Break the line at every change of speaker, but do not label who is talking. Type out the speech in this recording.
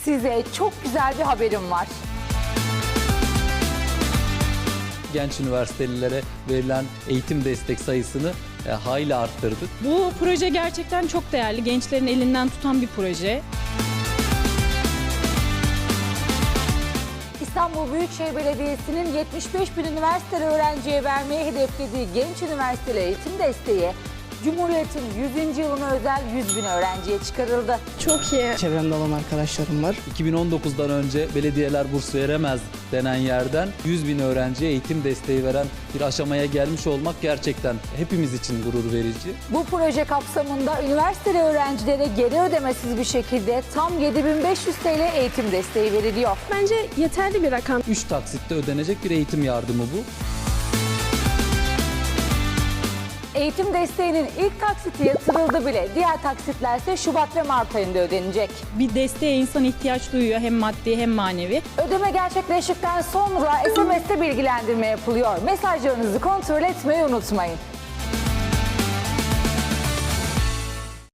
size çok güzel bir haberim var.
Genç üniversitelilere verilen eğitim destek sayısını hayli arttırdık.
Bu proje gerçekten çok değerli. Gençlerin elinden tutan bir proje.
İstanbul Büyükşehir Belediyesi'nin 75 bin üniversiteli öğrenciye vermeyi hedeflediği Genç Üniversiteli Eğitim Desteği, Cumhuriyet'in 100. yılına özel 100 bin öğrenciye çıkarıldı.
Çok iyi. Çevremde olan arkadaşlarım var.
2019'dan önce belediyeler burs veremez denen yerden 100 bin öğrenciye eğitim desteği veren bir aşamaya gelmiş olmak gerçekten hepimiz için gurur verici.
Bu proje kapsamında üniversiteli öğrencilere geri ödemesiz bir şekilde tam 7500 TL eğitim desteği veriliyor.
Bence yeterli bir rakam.
3 taksitte ödenecek bir eğitim yardımı bu.
Eğitim desteğinin ilk taksiti yatırıldı bile. Diğer taksitler ise Şubat ve Mart ayında ödenecek.
Bir desteğe insan ihtiyaç duyuyor, hem maddi hem manevi.
Ödeme gerçekleştikten sonra SMS'te bilgilendirme yapılıyor. Mesajlarınızı kontrol etmeyi unutmayın.